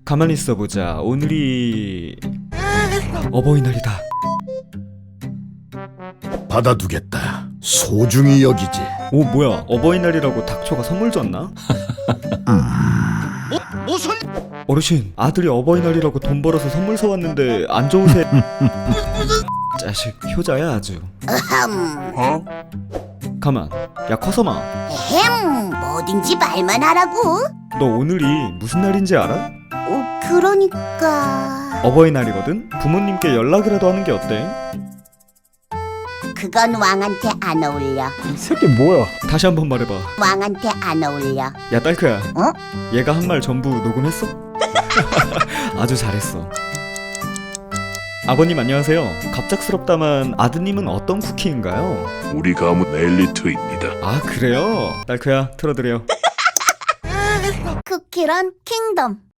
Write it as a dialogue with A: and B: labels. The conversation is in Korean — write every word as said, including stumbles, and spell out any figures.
A: 가만히 있어보자. 오늘이 어버이날이다.
B: 받아두겠다. 소중히 여기지.
A: 오 뭐야, 어버이날이라고 닥초가 선물 줬나?
B: 뭐, 무슨?
A: 어르신, 아들이 어버이날이라고 돈 벌어서 선물 사왔는데 안 좋으세? 자식 효자야 아주.
C: 어흠,
A: 가만, 야 커서마,
C: 햄, 뭐든지 말만 하라고.
A: 너 오늘이 무슨 날인지 알아?
C: 어, 그러니까
A: 어버이날이거든? 부모님께 연락이라도 하는 게 어때?
C: 그건 왕한테 안 어울려.
D: 이 새끼 뭐야?
A: 다시 한번 말해봐.
C: 왕한테 안 어울려.
A: 야 딸크야,
C: 어?
A: 얘가 한 말 전부 녹음했어? 아주 잘했어. 아버님 안녕하세요. 갑작스럽다만 아드님은 어떤 쿠키인가요?
E: 우리 가문 엘리트입니다.
A: 아 그래요? 딸크야 틀어드려.
C: 쿠키런 킹덤.